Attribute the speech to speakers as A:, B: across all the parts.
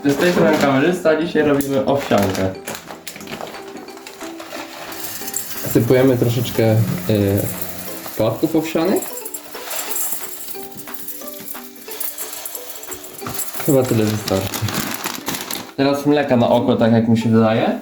A: Z tej strony kamerzysta, dzisiaj robimy owsiankę. Sypujemy troszeczkę płatków owsianych. Chyba tyle wystarczy. Teraz mleka na oko, tak jak mi się wydaje.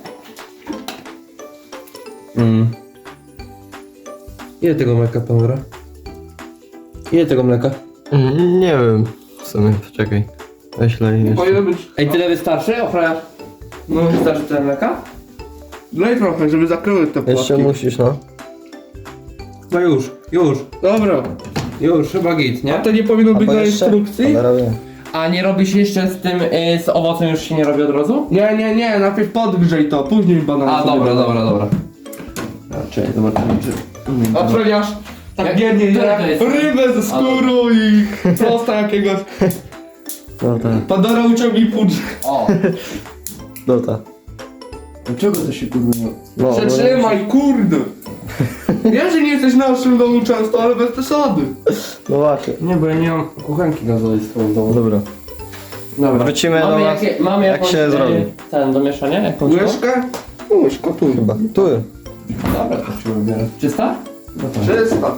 A: Ile tego mleka, Pandora? Ile tego mleka?
B: Nie wiem. W sumie, czekaj. Weźle jeszcze.
C: Powinno być...
A: Ej, tyle wystarczy? Ochroniarz? No wystarczy tyle mleka?
C: Daj trochę, żeby zakryły te płatki.
B: Jeszcze musisz, no.
A: No już.
C: Dobra.
A: Już, chyba git,
C: A
A: nie?
C: to nie powinno być
B: bo
C: na
B: jeszcze?
C: instrukcji?
B: Cholera wie.
A: A nie robisz jeszcze z tym, z owocem już się nie robi od razu?
C: Nie, najpierw podgrzej to, później banan.
A: A,
C: sobie
A: dobra.
C: dodaj.
A: Czekaj, zobaczymy czy...
C: Ochroniarz tak
A: Jak-
C: biednie
A: które to
C: je
A: jest?
C: rybę ze skórą i prosta jakiegoś.
B: No tak.
C: Pandora uciągnij pudrz.
A: O!
B: No tak.
A: Dlaczego to się kurwa nie...
B: No,
C: Przetrzymaj, kurde. Ja, że nie jesteś w naszym domu często, ale bez przesady.
B: No właśnie.
A: Nie, bo ja nie mam kuchenki gazowej w swoim domu.
B: Dobra.
A: Dobra.
B: Wrócimy
A: mamy
B: do was,
A: mamy
B: jak
A: jakąś,
B: się zrobi.
A: Ten do mieszania? Jakąś to?
C: Łyżkę? Łyżka tu.
B: Chyba. Tu.
A: Dobra, to się wybiorę. Czysta? No to.
C: Czysta.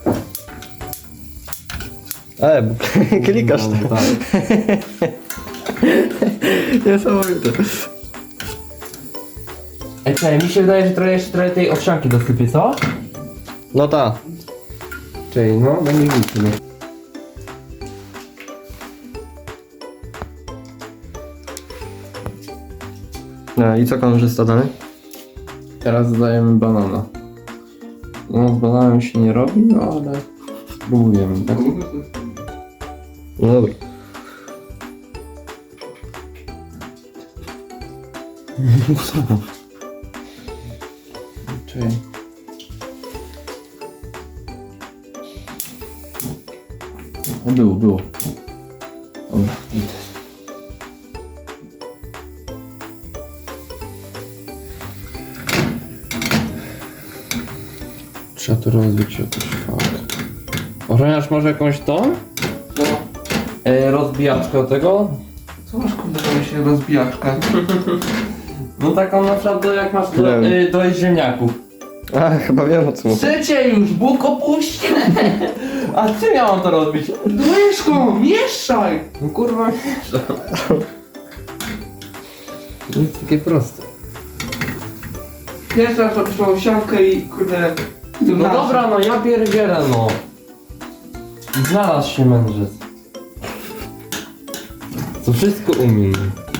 B: Bo klikasz
A: No,
B: tam.
A: tak.
B: Niesamowite.
A: Ej, czekaj, mi się wydaje, że jeszcze trochę tej owsianki dosypię, co?
B: No tak.
A: Czyli no, będzie nic.
B: No i co kamerzysta dalej?
A: Teraz dodajemy banana. No, z bananem się nie robi, no ale spróbujemy, tak?
B: No dobra.
A: Czekaj. No było. Dobra, idę. Trzeba to rozbić jakoś, tak. Ochroniarz może jakąś tą?
C: No.
A: Rozbijaczkę do tego?
C: Co masz kurde na się rozbijaczkę?
A: No taką na przykład jak masz
B: Nie
A: do ziemniaków.
B: A, chyba wiem o co mówię.
C: Trzecie już, Bóg opuścił.
A: A czym ja mam to robić?
C: Łyżką, mieszaj.
A: No kurwa, to jest takie proste.
C: Pierwszy raz robisz owsiankę i kurde...
A: No dobra, no ja pierdzielę, no. Znalazł się mędrzec. To wszystko umiem.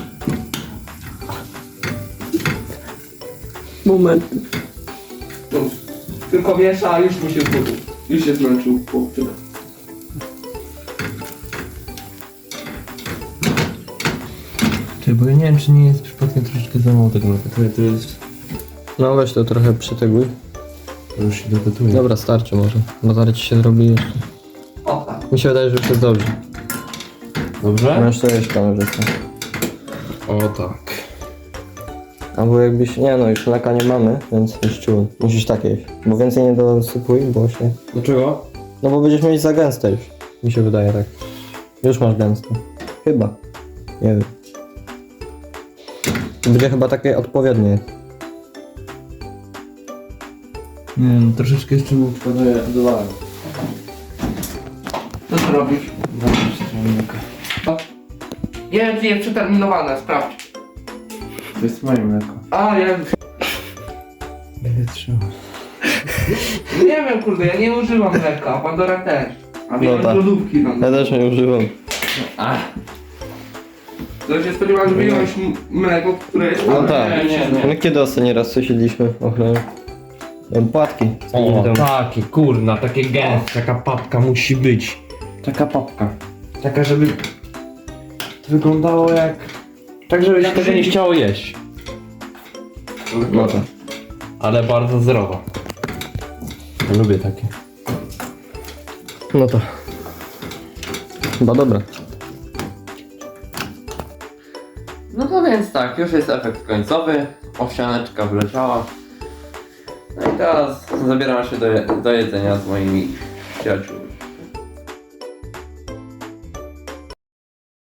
B: Moment.
C: No, tylko miesza, a już mu się zgubił. Już się zmęczył chłopczyk.
A: Czy bo ja nie wiem, czy nie jest przypadkiem troszeczkę za mało tego gotuje. To jest...
B: No weź to trochę przytyguj.
A: To już się dogotuje.
B: Dobra, starczy może. Bo zaraz ci się zrobi jeszcze.
C: O tak.
B: Mi się wydaje, że już jest dobrze.
A: Dobrze?
B: Możesz to jeść kamerzysta.
A: O tak.
B: Albo jakbyś... Nie no, już mleka nie mamy, więc już czułem. Musisz tak jeść. Bo więcej nie dosypuj, bo się...
A: Dlaczego?
B: No bo będziesz mieć za gęste już. Mi się wydaje tak. Już masz gęste. Chyba. Nie wiem. To będzie chyba takie odpowiednie.
A: Nie wiem, troszeczkę jeszcze łóżka dodałem.
C: Co ty robisz? Nie wiem, czy jest przeterminowane, sprawdź.
A: To jest moje mleko.
C: A, ja...
A: Będę trzymał.
C: Nie wiem, kurde, ja nie używam mleka, a Pandora też. A
B: No
C: wyjąć
B: tak.
C: lodówki nam.
B: Ja też nie używam.
A: A,
C: To się spodziewałem, że wyjąłeś mleko, które jest...
B: No
C: ale
B: tak.
C: nie.
B: My kiedy ostatni raz coś jedliśmy? Ochrony. Płatki.
A: o,
B: Tam.
A: takie kurna, takie gęste, taka papka musi być. Taka papka. Taka, żeby to wyglądało jak... Tak, żeby się
C: Jak
A: tego nie
C: Żydzi.
A: chciało jeść.
B: No tak.
A: Ale bardzo zdrowa. Lubię takie.
B: No to. Chyba dobra.
A: No to więc tak, już jest efekt końcowy. Owsianeczka wleciała. No i teraz zabieram się do jedzenia z moimi przyjaciółmi.